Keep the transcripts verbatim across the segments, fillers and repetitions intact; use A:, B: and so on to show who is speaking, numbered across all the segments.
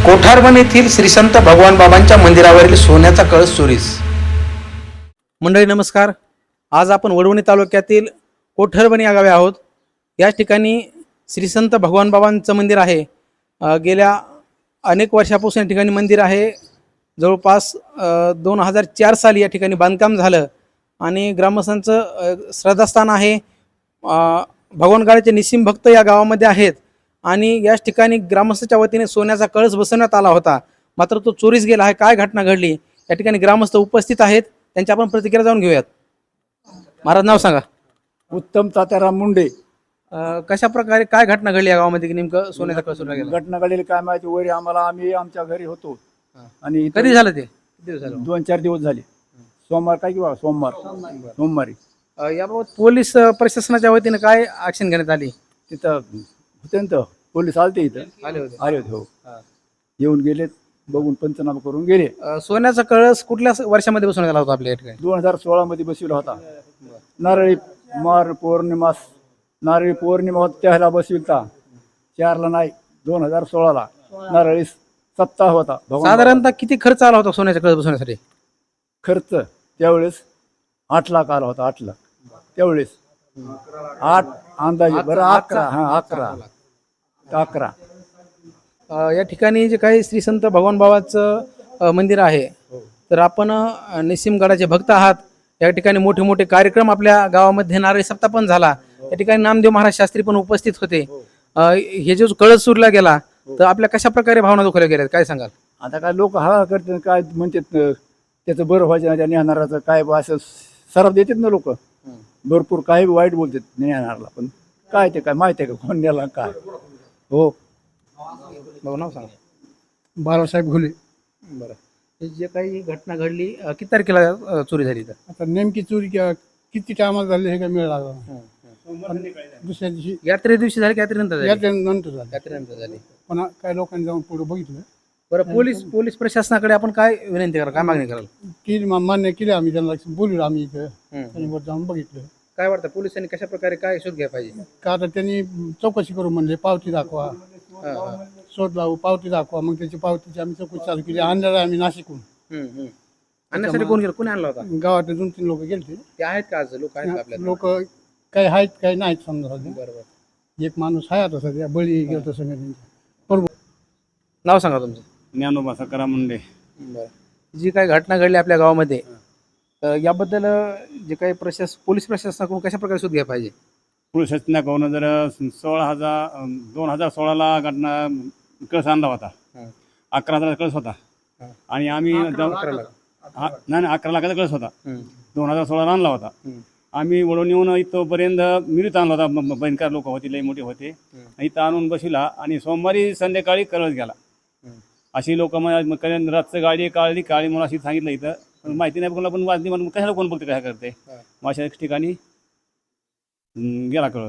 A: कोठारवन येथील श्री संत भगवान बाबांच्या मंदिरावरील सोन्याचा कळस चोरीस। मंडळी नमस्कार। आज आपण वडवणी तालुक्यातील कोठारवन या गावी आहोत। या ठिकाणी श्री संत भगवान बाबांचं मंदिर आहे। गेल्या अनेक वर्षापासून या ठिकाणी मंदिर आहे। जवळपास दोन हजार चार साली या ठिकाणी बांधकाम झालं आणि ग्रामस्थांचं श्रद्धास्थान आहे। भगवानगडाचे निसीम भक्त या गावामध्ये आहेत आणि याच ठिकाणी ग्रामस्थांच्या वतीने सोन्याचा कळस बसवण्यात आला होता, मात्र तो चोरीस गेला आहे। काय घटना घडली या ठिकाणी ग्रामस्थ उपस्थित आहेत, त्यांच्या आपण प्रतिक्रिया जाणून घेऊयात। महाराज नाव सांगा।
B: उत्तम तात्याराम मुंडे।
A: कशा प्रकारे काय घटना घडली या गावामध्ये की नेमकं सोन्याचा कळस चोरीला गेला?
B: घटना घडलेली काय माहिती, वरी आम्हाला आम्ही आमच्या घरी होतो आणि
A: कधी झालं ते? किती दिवस झाले?
B: दोन चार दिवस झाले। सोमवार काय किंवा सोमवार सोमवारी
A: याबाबत पोलीस प्रशासनाच्या वतीने काय ऍक्शन घेण्यात आली?
B: तिथं होते ना, पोलीस आलते इथं
A: आले होते
B: आले होते हो, येऊन गेले, बघून पंचनामा करून गेले।
A: अ, सोन्याचा कळस कुठल्या वर्षामध्ये बसवण्यात आला होता आपल्या या ठिकाणी?
B: दोन हजार सोळा मध्ये बसविला होता। नारळी मार पौर्णिमा नारळी पौर्णिमा होती त्याला बसविलता, चारला नाही दोन हजार सोळाला नारळी सप्ताह होता।
A: साधारणतः किती खर्च आला होता सोन्याचा कळस बसवण्यासाठी?
B: खर्च त्यावेळेस आठ लाख आला होता, आठ लाख त्यावेळेस, आठ अंदाजे बरं अकरा हा अकरा अकरा
A: अ, या ठिकाणी जे काही श्री संत भगवान बाबाचं अ, मंदिर आहे, तर आपण अ, निसीमगडाचे भक्त आहात। या ठिकाणी मोठे मोठे कार्यक्रम आपल्या गावामध्ये नारळी सप्ताह पण झाला। या ठिकाणी नामदेव महाराज शास्त्री पण उपस्थित होते। अ, हे जो कळस चोरीला गेला तर आपल्या कशा प्रकारे भावना दुखवल्या गेल्या काय सांगाल?
B: आता काय लोक हा करतात, काय म्हणतात त्याचं बरं व्हायचं नाही, त्या नेहणाराचं काय असं सराफ देतात ना लोक, भरपूर काही वाईट बोलतात नेहणारला, पण काय ते काय माहिती आहे का कोण नेला काय? हो
A: भाऊ नाव सांगा।
C: बाळासाहेब घुले।
A: बरं, हे जे काही घटना घडली अ, किती तारखेला अ, चोरी झाली? तर
C: आता नेमकी चोरी क्या- किती टायमाला झाली हे काय मिळ लागला, पण दुसऱ्या दिवशी
A: यात्रे दिवशी झाली की यात्रेनंतर झाली?
C: यात्रेनंतर झाली,
A: यात्रेनंतर झाली।
C: पण काही लोकांनी जाऊन पुढे बघितलं,
A: बरं, पोलीस पोलीस प्रशासनाकडे आपण काय विनंती कराल, काय मागणी कराल?
C: की मा- मान्य केले आम्ही, त्यांना बोललो आम्ही इथं,
A: हम्म.
C: त्यांनी वर जाऊन बघितलं।
A: काय वाटतं पोलिसांनी कशा प्रकारे काय शोध घ्यायला पाहिजे?
C: का आता त्यांनी चौकशी करू म्हणले, पावती दाखवा,
A: हा, हा.
C: शोध लावू, पावती दाखवा, मग त्याची पावतीची आम्ही चौकशी चालू केली। आणलेला आम्ही नाशिकहून,
A: हम्म, हम्म. आणण्यासाठी कोण गेलं, कोणी आणला होता?
C: गावातले दोन तीन लोक गेले,
A: ते आहेत का आज लोक आहेत का आपल्याला?
C: लोक काही आहेत काही नाहीत समजा सध्या।
A: बरोबर।
C: एक माणूस आहे आता सध्या, बळी गेलो सगळ्या बरोबर।
A: नाव सांगा तुमचं।
B: ज्ञानोबा सकाराम मुंडे।
A: बरं, जी काही घटना घडली आपल्या गावामध्ये, तर याबद्दल अ, जे काही प्रशास पोलीस प्रशासनाकडून कशा प्रकारे शोध घ्यायला पाहिजे?
D: पोलीस शासनाकडून जर सोळा हजार दोन हजार सोळाला घटना कळस आणला होता,
A: हं.
D: अकरा हजार कळस होता
A: हं.
D: आणि आम्ही जाऊ-
A: अकरा लाख.
D: हा, नाही नाही, अकरा लाखाचा कळस होता,
A: हं.
D: दोन हजार सोळाला आणला होता।
A: हं.
D: आम्ही वळून येऊन इथंपर्यंत मिरीत आणला होता, ब- भयंकर लोक होते, लई मोठे होते, इथं आणून बसविला आणि सोमवारी संध्याकाळी कळस गेला।
A: हं.
D: अशी लोक मग करेन रातचं गाडी काढली काळी म्हणून अशी सांगितलं, इथं पण माहिती नाही, कोणाला पण वाजली म्हणून कशाला कोण बोलते काय करते, मग अशा ठिकाणी हं, गेला कळस।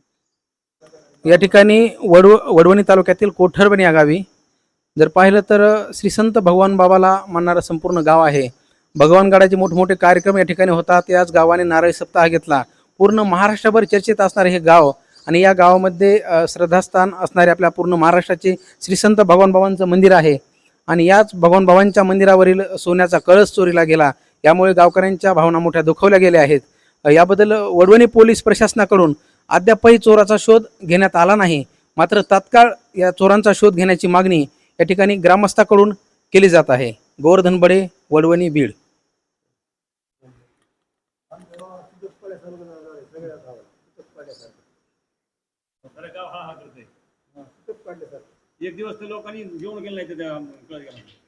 A: या ठिकाणी वडव वडवणी तालुक्यातील कोठारवन या गावी जर पाहिलं तर श्री संत भगवान बाबाला मानणारं संपूर्ण गाव आहे। भगवानगडाचे मोठमोठे कार्यक्रम या ठिकाणी होतात। याच गावाने नारळी सप्ताह घेतला। पूर्ण महाराष्ट्रभर चर्चेत असणारे हे गाव आणि या गावामध्ये अ, श्रद्धास्थान असणारे आपल्या पूर्ण महाराष्ट्राचे श्री संत भगवान बाबांचं मंदिर आहे आणि याच भगवान बाबांच्या मंदिरावरील सोन्याचा कळस चोरीला गेला। यामुळे गावकऱ्यांच्या भावना मोठ्या दुखावल्या गेल्या आहेत। अ, याबद्दल वडवणी पोलीस प्रशासनाकडून अद्यापही चोराचा शोध घेण्यात आला नाही, मात्र तात्काळ या चोरांचा शोध घेण्याची मागणी या ठिकाणी ग्रामस्थाकडून केली जात आहे। गोवर्धन बडे, वडवणी, बीड।
D: एक दिवस तर लोकांनी घेऊन गेलं नाही, तर कळस गेला.